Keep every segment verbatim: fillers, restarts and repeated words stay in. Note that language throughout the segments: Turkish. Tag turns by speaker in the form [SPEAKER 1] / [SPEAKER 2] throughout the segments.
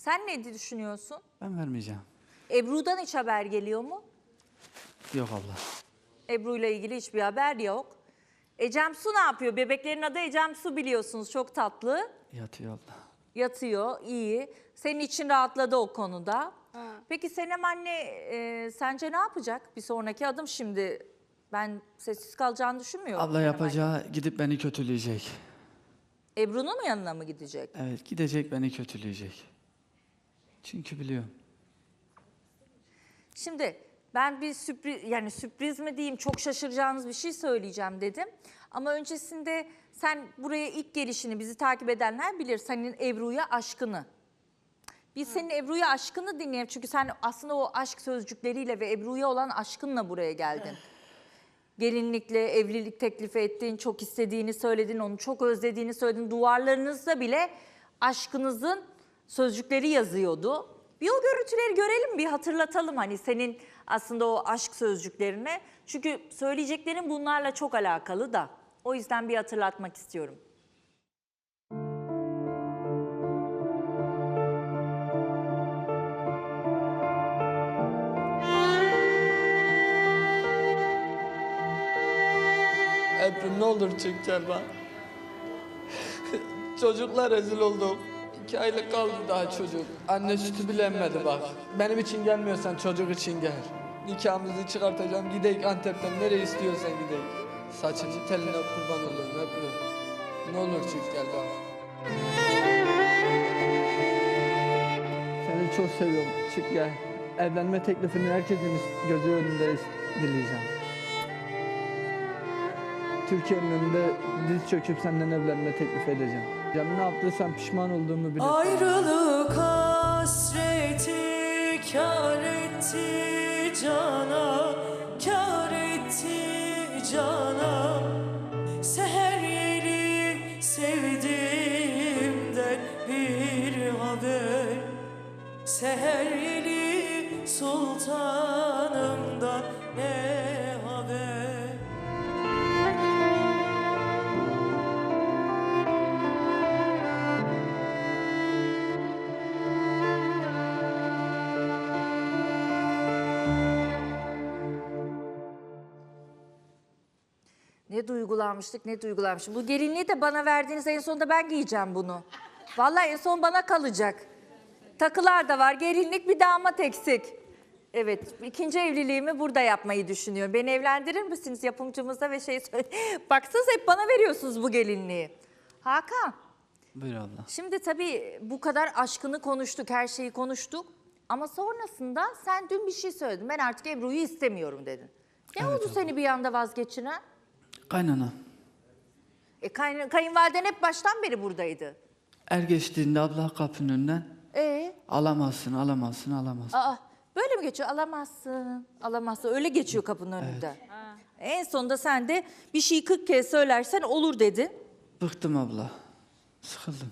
[SPEAKER 1] Sen ne düşünüyorsun?
[SPEAKER 2] Ben vermeyeceğim.
[SPEAKER 1] Ebru'dan hiç haber geliyor mu?
[SPEAKER 2] Yok abla.
[SPEAKER 1] Ebru'yla ilgili hiçbir haber yok. Ecem Su ne yapıyor? Bebeklerin adı Ecem Su biliyorsunuz. Çok tatlı.
[SPEAKER 2] Yatıyor abla.
[SPEAKER 1] Yatıyor, iyi. Senin için rahatladı o konuda. Ha. Peki Senem anne e, sence ne yapacak? Bir sonraki adım şimdi. Ben sessiz kalacağını düşünmüyorum.
[SPEAKER 2] Abla yapacağı anne. Gidip beni kötüleyecek.
[SPEAKER 1] Ebru'nun yanına mı gidecek?
[SPEAKER 2] Evet, gidecek beni kötüleyecek. Çünkü biliyorum.
[SPEAKER 1] Şimdi ben bir sürpriz, yani sürpriz mi diyeyim, çok şaşıracağınız bir şey söyleyeceğim dedim. Ama öncesinde sen buraya ilk gelişini bizi takip edenler bilir. Senin Ebru'ya aşkını. Biz senin Ebru'ya aşkını dinleyelim. Çünkü sen aslında o aşk sözcükleriyle ve Ebru'ya olan aşkınla buraya geldin. Gelinlikle evlilik teklifi ettin, çok istediğini söyledin, onu çok özlediğini söyledin. Duvarlarınızda bile aşkınızın sözcükleri yazıyordu. Bir o görüntüleri görelim, bir hatırlatalım hani senin aslında o aşk sözcüklerini. Çünkü söyleyeceklerin bunlarla çok alakalı da. O yüzden bir hatırlatmak istiyorum.
[SPEAKER 3] Ebru ne olur çık gel bak. Çocuklar rezil olduk. İki aylık kaldı daha çocuk. Anne sütü bile emmedi bak. Benim için gelmiyorsan çocuk için gel. Nikahımızı çıkartacağım. Gideyik Antep'ten nereye istiyorsan gideyik. Saçını teline kurban olurum Ebru. Ne olur çık gel bak. Seni çok seviyorum. Çık gel. Evlenme teklifini herkesin gözü önünde dileyeceğim. Türkiye'nin önünde diz çöküp senden evlenme teklif edeceğim. Canım ne yaptıysam pişman olduğumu bilirsin.
[SPEAKER 4] Ayrılık hasreti kâr etti cana, kâr etti cana. Seher yeli sevdiğimden bir haber, seher yeli sultanımdan ne haber.
[SPEAKER 1] Ne duygulanmıştık, ne duygulanmıştık. Bu gelinliği de bana verdiğiniz, en sonunda ben giyeceğim bunu. Vallahi en son bana kalacak. Takılar da var, gelinlik, bir damat eksik. Evet, ikinci evliliğimi burada yapmayı düşünüyorum. Beni evlendirir misiniz yapımcımızda ve şey söyle. Baksanız hep bana veriyorsunuz bu gelinliği. Hakan.
[SPEAKER 2] Buyur abla.
[SPEAKER 1] Şimdi tabii bu kadar aşkını konuştuk, her şeyi konuştuk. Ama sonrasında sen dün bir şey söyledin. Ben artık Ebru'yu istemiyorum dedin. Ne
[SPEAKER 2] Evet,
[SPEAKER 1] oldu
[SPEAKER 2] abla.
[SPEAKER 1] seni bir anda vazgeçiren?
[SPEAKER 2] Kaynana.
[SPEAKER 1] E, kay, kayınvaliden hep baştan beri buradaydı.
[SPEAKER 2] Er geçtiğinde abla kapının önünden
[SPEAKER 1] E,
[SPEAKER 2] alamazsın, alamazsın, alamazsın.
[SPEAKER 1] aa, böyle mi geçiyor? Alamazsın, alamazsın. Öyle geçiyor kapının önünde. En sonunda sen de bir şeyi kırk kez söylersen olur dedin.
[SPEAKER 2] Bıktım abla. Sıkıldım.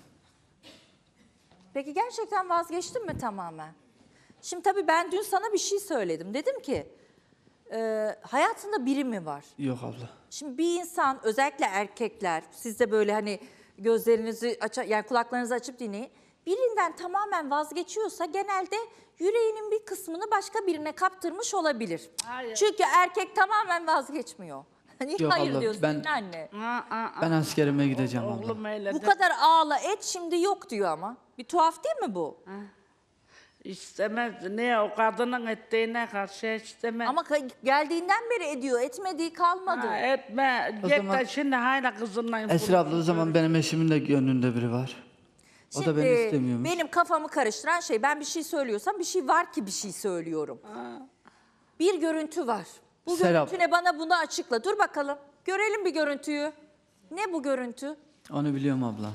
[SPEAKER 1] Peki gerçekten vazgeçtin mi tamamen? Şimdi tabii ben dün sana bir şey söyledim. Dedim ki e, hayatında biri mi var?
[SPEAKER 2] Yok abla.
[SPEAKER 1] Şimdi bir insan, özellikle erkekler, siz de böyle hani gözlerinizi aç, yani kulaklarınızı açıp dinleyin. Birinden tamamen vazgeçiyorsa genelde yüreğinin bir kısmını başka birine kaptırmış olabilir.
[SPEAKER 5] Hayır.
[SPEAKER 1] Çünkü erkek tamamen vazgeçmiyor. Niye
[SPEAKER 2] Yok
[SPEAKER 1] hayır
[SPEAKER 2] abla,
[SPEAKER 1] diyorsun
[SPEAKER 2] ben-
[SPEAKER 1] anne?
[SPEAKER 5] Aa, aa,
[SPEAKER 2] Ben askerime gideceğim abla.
[SPEAKER 5] Oğlum öyle
[SPEAKER 1] Bu
[SPEAKER 5] de
[SPEAKER 1] kadar ağla et şimdi yok diyor ama. Bir tuhaf değil mi bu?
[SPEAKER 5] istemez. Niye o kadının ettiğine karşı istemez.
[SPEAKER 1] Ama ka- geldiğinden beri ediyor. Etmediği kalmadı.
[SPEAKER 5] Ha, etme.
[SPEAKER 2] O
[SPEAKER 5] Git
[SPEAKER 2] zaman-
[SPEAKER 5] de şimdi hala kızınla
[SPEAKER 2] Esra abla o zaman benim eşimin de gönlünde biri var. O da
[SPEAKER 1] Şimdi
[SPEAKER 2] beni istemiyormuş.
[SPEAKER 1] benim kafamı karıştıran şey, ben bir şey söylüyorsam bir şey var ki bir şey söylüyorum. Bir görüntü var. Bu
[SPEAKER 2] Serap.
[SPEAKER 1] görüntü ne, bana bunu açıkla. Dur bakalım. Görelim bir görüntüyü. Ne bu görüntü?
[SPEAKER 2] Onu biliyorum abla.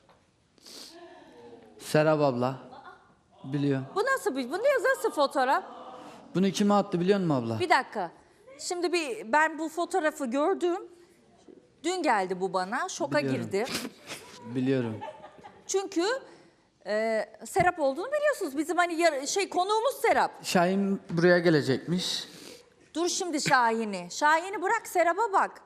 [SPEAKER 2] Serap abla. Biliyorum.
[SPEAKER 1] Bu nasıl bir, bu ne nasıl fotoğraf?
[SPEAKER 2] Bunu kime attı biliyor musun abla?
[SPEAKER 1] Bir dakika. Şimdi bir ben bu fotoğrafı gördüm. Dün geldi bu bana. Şoka
[SPEAKER 2] Biliyorum.
[SPEAKER 1] girdim.
[SPEAKER 2] Biliyorum.
[SPEAKER 1] Çünkü e, Serap olduğunu biliyorsunuz. Bizim hani yar- şey konuğumuz Serap.
[SPEAKER 2] Şahin buraya gelecekmiş.
[SPEAKER 1] Dur şimdi Şahin'i. Şahin'i bırak, Serap'a bak.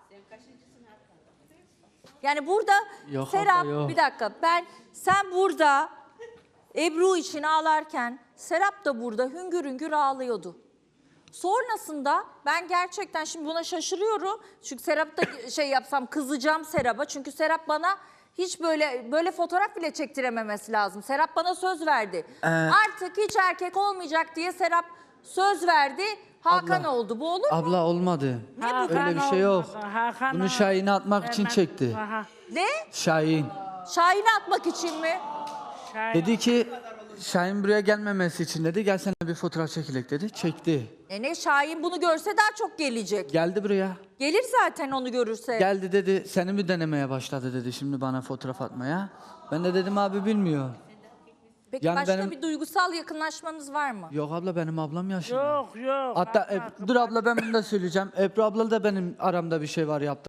[SPEAKER 1] Yani burada
[SPEAKER 2] Yok
[SPEAKER 1] Serap,
[SPEAKER 2] abla, yok.
[SPEAKER 1] bir dakika, ben sen burada Ebru için ağlarken Serap da burada hüngür hüngür ağlıyordu. Sonrasında ben gerçekten şimdi buna şaşırıyorum. Çünkü Serap da şey yapsam kızacağım Serap'a. Çünkü Serap bana hiç böyle böyle fotoğraf bile çektirememesi lazım. Serap bana söz verdi.
[SPEAKER 2] Ee,
[SPEAKER 1] Artık hiç erkek olmayacak diye Serap söz verdi. Hakan
[SPEAKER 2] Abla,
[SPEAKER 1] oldu. Bu olur mu?
[SPEAKER 2] Abla olmadı.
[SPEAKER 1] Ne bu?
[SPEAKER 2] Öyle bir şey yok.
[SPEAKER 5] olmadı, Hakan
[SPEAKER 2] Bunu
[SPEAKER 5] olmadı.
[SPEAKER 2] Şahin'e atmak için
[SPEAKER 5] Hemen-
[SPEAKER 2] çekti.
[SPEAKER 5] Aha,
[SPEAKER 1] Ne?
[SPEAKER 2] Şahin.
[SPEAKER 1] Şahin'i atmak için mi?
[SPEAKER 5] Şahin.
[SPEAKER 2] Dedi ki Şahin buraya gelmemesi için dedi. Gel seninle bir fotoğraf çekilek dedi. Çekti.
[SPEAKER 1] E ne Şahin bunu görse daha çok gelecek.
[SPEAKER 2] Geldi buraya.
[SPEAKER 1] Gelir zaten onu görürse.
[SPEAKER 2] Geldi dedi seni mi denemeye başladı dedi şimdi bana fotoğraf atmaya. Ben de dedim abi bilmiyor.
[SPEAKER 1] Peki
[SPEAKER 2] Yani
[SPEAKER 1] başka
[SPEAKER 2] benim-
[SPEAKER 1] bir duygusal yakınlaşmanız var mı?
[SPEAKER 2] Yok abla benim ablam yaşında.
[SPEAKER 5] Yok yok.
[SPEAKER 2] Hatta
[SPEAKER 5] Hakan,
[SPEAKER 2] Eb- dur abla ben bunu da söyleyeceğim. Ebru abla da benim aramda bir şey var yaptı.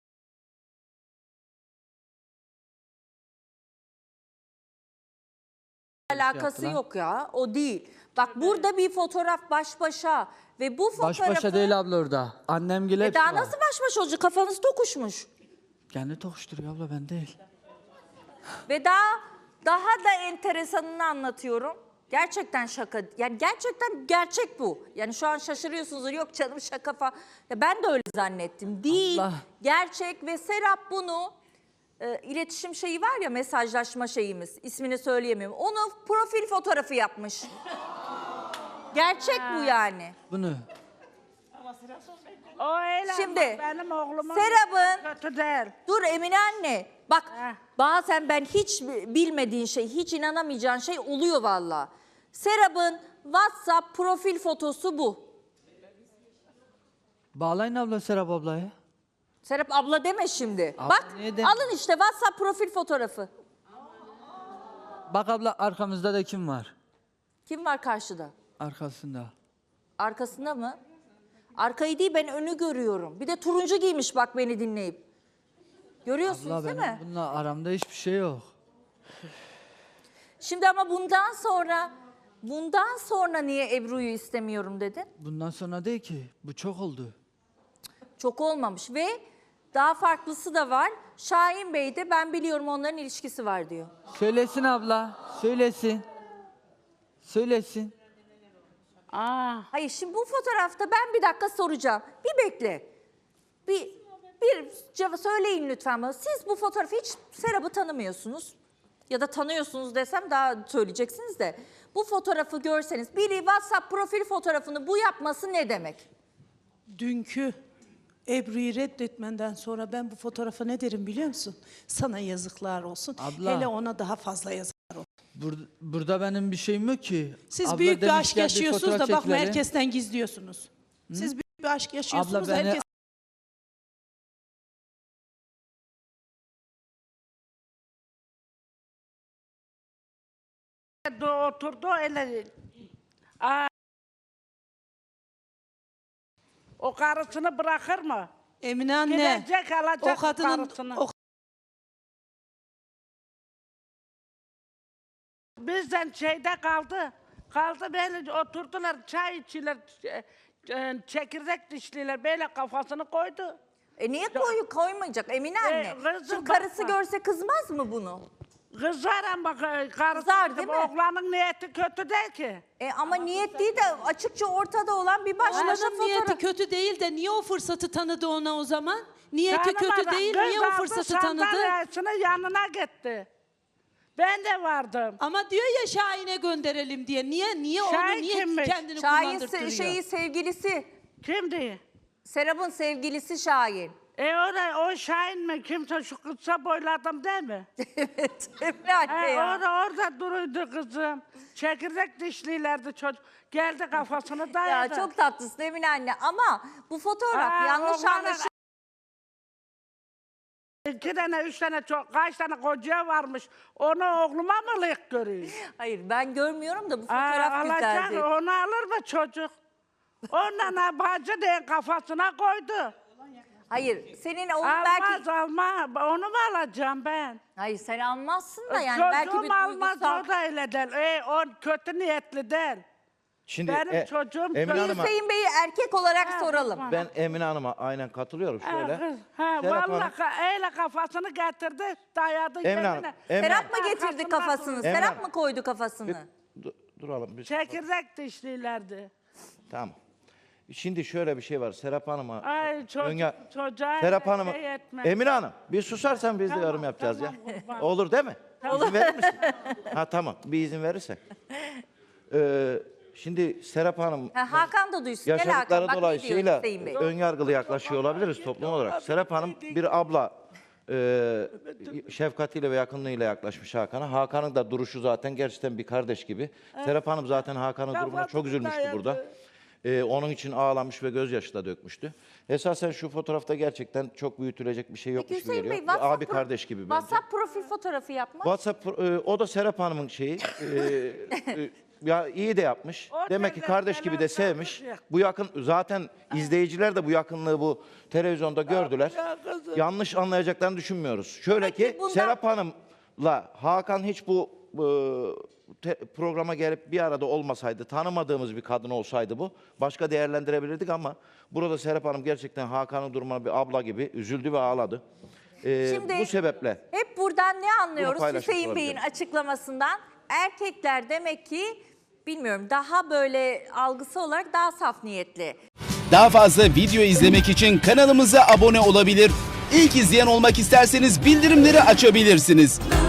[SPEAKER 1] Alakası
[SPEAKER 2] yaptılar.
[SPEAKER 1] yok ya. O değil. Bak burada bir fotoğraf baş başa ve bu
[SPEAKER 2] Baş
[SPEAKER 1] fotoğrafı...
[SPEAKER 2] başa değil abla orada. Annem gile
[SPEAKER 1] E
[SPEAKER 2] hepsi
[SPEAKER 1] daha
[SPEAKER 2] var.
[SPEAKER 1] nasıl baş başa olacak? Kafanız tokuşmuş.
[SPEAKER 2] Kendi tokuşturuyor abla ben değil.
[SPEAKER 1] Ve daha daha da enteresanını anlatıyorum. Gerçekten şaka. Yani gerçekten gerçek bu. Yani şu an şaşırıyorsunuz. Yok canım şaka falan. Ya ben de öyle zannettim. Değil.
[SPEAKER 2] Allah.
[SPEAKER 1] Gerçek ve Serap bunu e, iletişim şeyi var ya mesajlaşma şeyimiz. İsmini söyleyemiyorum. Onu profil fotoğrafı yapmış. Gerçek bu yani.
[SPEAKER 2] Bunu.
[SPEAKER 5] O öyle
[SPEAKER 1] Şimdi,
[SPEAKER 5] ama benim oğlumun
[SPEAKER 1] Serap'ın-
[SPEAKER 5] kötü değil.
[SPEAKER 1] Dur Emine anne. Bak
[SPEAKER 5] Heh.
[SPEAKER 1] bazen ben hiç bilmediğin şey, hiç inanamayacağın şey oluyor valla. Serap'ın WhatsApp profil fotosu bu.
[SPEAKER 2] Bağlayın abla Serap ablayı.
[SPEAKER 1] Serap abla deme şimdi.
[SPEAKER 2] Abla
[SPEAKER 1] Bak
[SPEAKER 2] niye de-
[SPEAKER 1] alın işte WhatsApp profil fotoğrafı.
[SPEAKER 2] Bak abla arkamızda da kim var?
[SPEAKER 1] Kim var karşıda?
[SPEAKER 2] Arkasında.
[SPEAKER 1] Arkasında mı? Arkayı değil ben önü görüyorum. Bir de turuncu giymiş bak beni dinleyip. Görüyorsunuz
[SPEAKER 2] Abla
[SPEAKER 1] değil
[SPEAKER 2] benim
[SPEAKER 1] mi?
[SPEAKER 2] bununla aramda hiçbir şey yok.
[SPEAKER 1] Şimdi ama bundan sonra bundan sonra niye Ebru'yu istemiyorum dedin?
[SPEAKER 2] Bundan sonra değil ki. Bu çok oldu.
[SPEAKER 1] Çok olmamış ve daha farklısı da var. Şahin Bey de ben biliyorum onların ilişkisi var diyor.
[SPEAKER 2] Söylesin abla. Söylesin. Söylesin.
[SPEAKER 5] Aa,
[SPEAKER 1] Hayır şimdi bu fotoğrafta ben bir dakika soracağım. Bir bekle. Bir bir cevap söyleyin lütfen bana. Siz bu fotoğrafı hiç Serap'ı tanımıyorsunuz. Ya da tanıyorsunuz desem daha söyleyeceksiniz de. Bu fotoğrafı görseniz biri WhatsApp profil fotoğrafını bu yapması ne demek?
[SPEAKER 4] Dünkü Ebru'yu reddetmenden sonra ben bu fotoğrafa ne derim biliyor musun? Sana yazıklar olsun.
[SPEAKER 2] Abla.
[SPEAKER 4] Hele ona daha fazla yazıklar olsun.
[SPEAKER 2] Bur- burada benim bir şeyim yok ki.
[SPEAKER 4] Siz
[SPEAKER 2] Abla
[SPEAKER 4] büyük bir
[SPEAKER 2] demiş,
[SPEAKER 4] aşk
[SPEAKER 2] gel bir
[SPEAKER 4] yaşıyorsunuz
[SPEAKER 2] fotoğraf
[SPEAKER 4] da bakma
[SPEAKER 2] çekilelim.
[SPEAKER 4] herkesten gizliyorsunuz. Siz büyük bir aşk yaşıyorsunuz da
[SPEAKER 2] beni-
[SPEAKER 4] herkes...
[SPEAKER 5] do- oturdu öyle. Aa, o karısını bırakır mı?
[SPEAKER 4] Emine anne,
[SPEAKER 5] Gidecek alacak
[SPEAKER 4] o kadının...
[SPEAKER 5] karısını.
[SPEAKER 4] O,
[SPEAKER 5] Bizden şeyde kaldı. Kaldı böyle oturdular çay içiler. e, e, Çekirdek dişliler böyle kafasını koydu.
[SPEAKER 1] E niye koy, koymayacak Emine anne?
[SPEAKER 5] kızım
[SPEAKER 1] Şimdi karısı
[SPEAKER 5] bakma.
[SPEAKER 1] görse kızmaz mı bunu?
[SPEAKER 5] Kızar ama e, karısı.
[SPEAKER 1] Kızar, değil mi?
[SPEAKER 5] Oğlanın niyeti kötü değil ki.
[SPEAKER 1] E ama niyet değil de açıkça ortada olan bir baş başa
[SPEAKER 4] Oğlanın niyeti
[SPEAKER 1] fotoğraf.
[SPEAKER 4] kötü değil de niye o fırsatı tanıdı ona o zaman? Niyeti kötü
[SPEAKER 5] Tanımadan
[SPEAKER 4] değil,
[SPEAKER 5] kız
[SPEAKER 4] niye o
[SPEAKER 5] aldı,
[SPEAKER 4] fırsatı tanıdı?
[SPEAKER 5] sandalyesinin yanına gitti. Ben de vardım.
[SPEAKER 4] Ama diyor ya Şahin'e gönderelim diye. Niye niye onu
[SPEAKER 5] Şahin
[SPEAKER 4] niye
[SPEAKER 5] kimmiş?
[SPEAKER 4] kendini
[SPEAKER 1] Şahin
[SPEAKER 4] kullandırtırıyor?
[SPEAKER 1] se- şeyi sevgilisi.
[SPEAKER 5] Kimdi?
[SPEAKER 1] Serap'ın sevgilisi Şahin.
[SPEAKER 5] E o da o Şahin mi? Kimse şu kısa boylu adam değil mi?
[SPEAKER 1] Evet Emine anne
[SPEAKER 5] He,
[SPEAKER 1] ya.
[SPEAKER 5] orada orada duruydu kızım. Çekirdek dişlilerdi çocuk. Geldi kafasını
[SPEAKER 1] Ya
[SPEAKER 5] dayadı.
[SPEAKER 1] çok tatlısın Emine anne ama bu fotoğraf
[SPEAKER 5] Aa,
[SPEAKER 1] yanlış
[SPEAKER 5] oğlana-
[SPEAKER 1] anlaşılıyor.
[SPEAKER 5] İki tane, üç tane, çok, kaç tane kocaya varmış. Onu oğluma mı layık görüyor?
[SPEAKER 1] Hayır ben görmüyorum da bu
[SPEAKER 5] Aa,
[SPEAKER 1] fotoğraf
[SPEAKER 5] alacak,
[SPEAKER 1] güzeldi.
[SPEAKER 5] onu alır mı çocuk? Ondan bacı diye kafasına koydu.
[SPEAKER 1] Hayır senin onun
[SPEAKER 5] Almaz
[SPEAKER 1] belki...
[SPEAKER 5] alma. Onu mu alacağım ben?
[SPEAKER 1] Hayır sen almazsın da yani
[SPEAKER 5] Çocuğum
[SPEAKER 1] belki bir
[SPEAKER 5] almaz
[SPEAKER 1] duygusal...
[SPEAKER 5] o da öyle değil. E, o kötü niyetli değil.
[SPEAKER 6] Şimdi
[SPEAKER 5] Benim
[SPEAKER 6] e,
[SPEAKER 5] çocuğum
[SPEAKER 6] Emine
[SPEAKER 5] çocuk-
[SPEAKER 6] Hanım'a
[SPEAKER 1] Hüseyin Bey'i erkek olarak
[SPEAKER 5] Ha,
[SPEAKER 1] soralım.
[SPEAKER 5] bak.
[SPEAKER 6] ben Emine Hanım'a aynen katılıyorum
[SPEAKER 5] Ha,
[SPEAKER 6] şöyle.
[SPEAKER 5] kız, ha,
[SPEAKER 6] Serap
[SPEAKER 5] vallahi
[SPEAKER 6] Hanım-
[SPEAKER 5] ka- öyle kafasını getirdi, dayadı
[SPEAKER 6] Emine Hanım,
[SPEAKER 5] yerine.
[SPEAKER 6] Emine
[SPEAKER 1] Serap mı
[SPEAKER 5] Hanım.
[SPEAKER 1] getirdi
[SPEAKER 5] Arkasından
[SPEAKER 1] kafasını?
[SPEAKER 5] duruyor.
[SPEAKER 6] Emine
[SPEAKER 1] Serap
[SPEAKER 6] Hanım.
[SPEAKER 1] mı koydu kafasını?
[SPEAKER 6] Du- duralım biz.
[SPEAKER 5] Çekirdek dişlilerdi.
[SPEAKER 6] Tamam. Şimdi şöyle bir şey var. Serap Hanım'a
[SPEAKER 5] Ay çocuk,
[SPEAKER 6] Önya-
[SPEAKER 5] çocuğa
[SPEAKER 6] Serap
[SPEAKER 5] öyle
[SPEAKER 6] Hanım'a
[SPEAKER 5] şey etme.
[SPEAKER 6] Emine Hanım bir susarsan biz de
[SPEAKER 5] Tamam,
[SPEAKER 6] yorum yapacağız
[SPEAKER 5] tamam,
[SPEAKER 6] ya.
[SPEAKER 5] kurban.
[SPEAKER 6] Olur değil mi? İzin verir misin? Ha tamam. Bir izin verirsen. Ee, şimdi Serap Hanım
[SPEAKER 1] Ha, Hakan da duysun. Gel Hakan.
[SPEAKER 6] yaşadıkları
[SPEAKER 1] Bak ne diyor
[SPEAKER 6] dolayısıyla
[SPEAKER 1] Hüseyin Bey.
[SPEAKER 6] ön yargılı yaklaşıyor olabiliriz toplum olarak. Serap Hanım bir abla e, şefkatiyle ve yakınlığıyla yaklaşmış Hakan'a. Hakan'ın da duruşu zaten gerçekten bir kardeş gibi. Serap Hanım zaten Hakan'ın durumuna çok üzülmüştü
[SPEAKER 5] dayadı.
[SPEAKER 6] burada. E, onun için ağlamış ve gözyaşı da dökmüştü. Esasen şu fotoğrafta gerçekten çok büyütülecek bir şey yokmuş
[SPEAKER 1] Peki
[SPEAKER 6] gibi
[SPEAKER 1] Hüseyin
[SPEAKER 6] geliyor.
[SPEAKER 1] Bey,
[SPEAKER 6] Bir
[SPEAKER 1] WhatsApp
[SPEAKER 6] abi
[SPEAKER 1] pro-
[SPEAKER 6] kardeş gibi bence.
[SPEAKER 1] WhatsApp profil fotoğrafı yapmış.
[SPEAKER 6] WhatsApp e, o da Serap Hanım'ın şeyi. E, e, ya iyi de yapmış.
[SPEAKER 5] O
[SPEAKER 6] Demek ki
[SPEAKER 5] neler
[SPEAKER 6] kardeş gibi de
[SPEAKER 5] neler
[SPEAKER 6] sevmiş.
[SPEAKER 5] yapmış ya.
[SPEAKER 6] Bu yakın zaten izleyiciler de bu yakınlığı bu televizyonda gördüler.
[SPEAKER 5] ya kızım.
[SPEAKER 6] Yanlış anlayacaklarını düşünmüyoruz. Şöyle
[SPEAKER 1] Peki
[SPEAKER 6] ki
[SPEAKER 1] bundan-
[SPEAKER 6] Serap Hanım'la Hakan hiç bu e, te- programa gelip bir arada olmasaydı, tanımadığımız bir kadın olsaydı bu başka değerlendirebilirdik ama burada Serap Hanım gerçekten Hakan'ın durumuna bir abla gibi üzüldü ve ağladı. E,
[SPEAKER 1] Şimdi
[SPEAKER 6] bu sebeple
[SPEAKER 1] hep buradan ne anlıyoruz
[SPEAKER 6] paylaşmış
[SPEAKER 1] Hüseyin Bey'in
[SPEAKER 6] olabilirim.
[SPEAKER 1] açıklamasından? Erkekler demek ki bilmiyorum daha böyle algısı olarak daha saf niyetli.
[SPEAKER 7] Daha fazla video izlemek için kanalımıza abone olabilir. İlk izleyen olmak isterseniz bildirimleri açabilirsiniz.